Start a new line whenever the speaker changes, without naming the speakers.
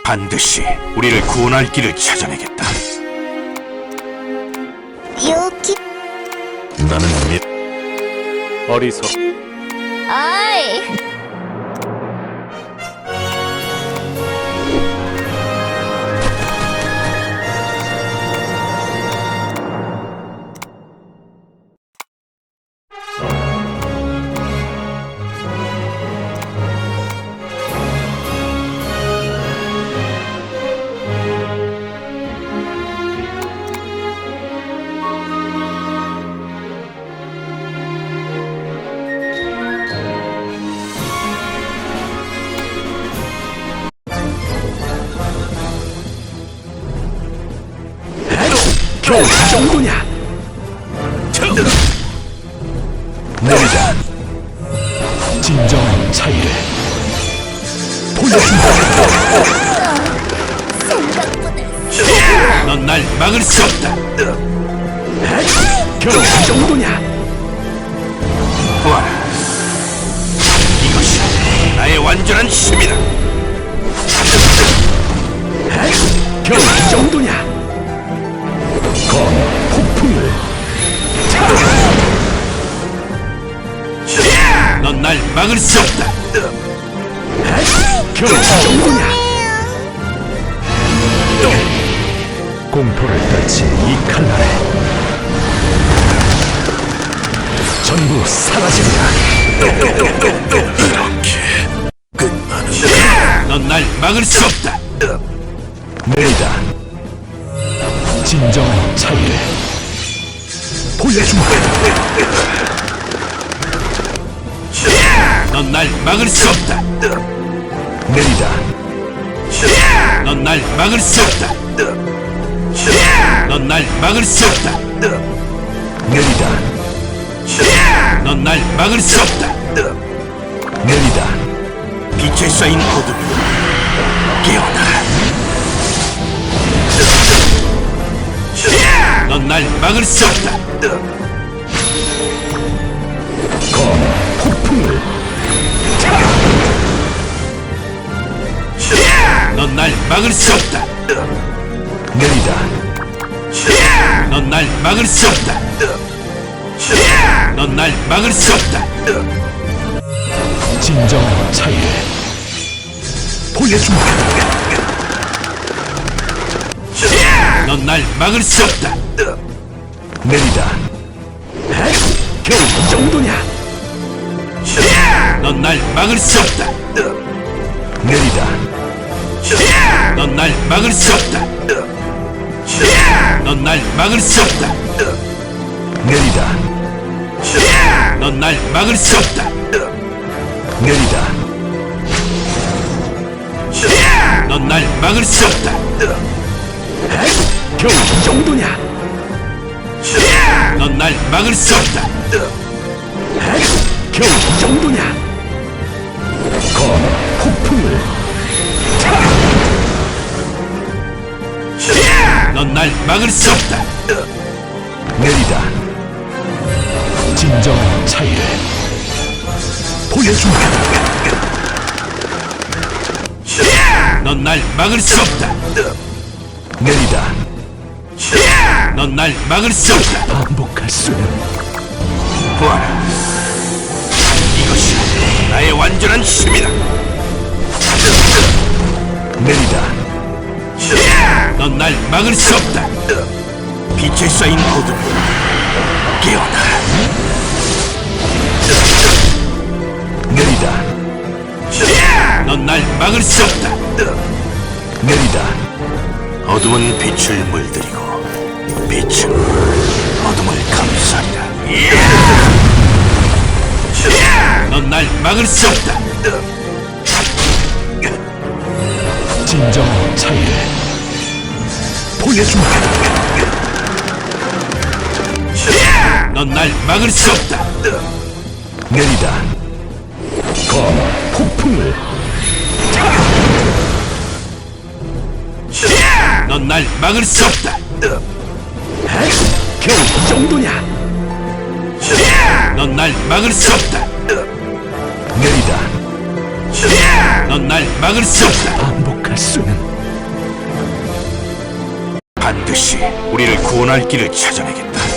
반드시 우리를 구원할 길을 찾아내겠다.
여기.
나는
어리석.
아이.
겨우 이 정도냐? 내리자. 진정한 차이를 보여준다.
생각보다.
넌 날 막을 수 없다.
겨우 이 정도냐?
보아라. 이것이 나의 완전한 힘이다.
겨우 이 정도냐? 검 폭풍을
넌 날 막을 수 없다.
겨우 이 정도냐? 공포를 떨친 이 칼날에 전부 사라진다.
넌 날 막을 수 없다.
내리다. 진정한 차이를 보여준다.
넌 날 막을 수 없다.
내리다.
넌 날 막을 수 없다. 넌 날 막을 수 없다.
내리다.
넌 날 막을 수 없다.
내리다.
빛에 쌓인 어둠 깨어나라. 넌 날 막을 수 없다.
검 폭풍을
넌 날 막을 수 없다.
내리다.
넌 날 막을 수 없다. 넌 날 막을 수 없다.
진정한 차이를 보여준다.
넌 날 막을 수 없다.
내리다. 겨우 이 정도냐?
넌 날 막을 수 없다.
내리다.
넌 날 막을 수 없다. 넌 날 막을 수 없다.
내리다.
넌 날 막을 수 없다.
내리다.
넌 날 막을 수 없다.
겨우 이 정도냐?
넌 날 막을 수 없다.
겨우 이 정도냐? 검 폭풍을
넌 날 막을 수 없다.
내리다. 진정한 차이를 보여준다.
넌 날 막을 수 없다.
내리다.
넌 날 막을 수 없다.
반복할 수는
보아라. 이것이 나의 완전한 힘이다.
내리다.
넌 날 막을 수 없다. 빛에 쌓인 어둠 깨어나라.
내리다.
넌 날 막을 수 없다.
내리다.
어둠은 빛을 물들이고 빛은 어둠을 감싸리라. 넌 날 막을 수 없다.
진정한 차이를 보여준다.
넌 날 막을 수 없다.
내리다. 검 폭풍을
넌 날 막을 수 없다.
겨우 이 정도냐?
넌 날 막을 수 없다.
내리다.
넌 날 막을 수 없다.
반복할 수는
반드시 우리를 구원할 길을 찾아내겠다.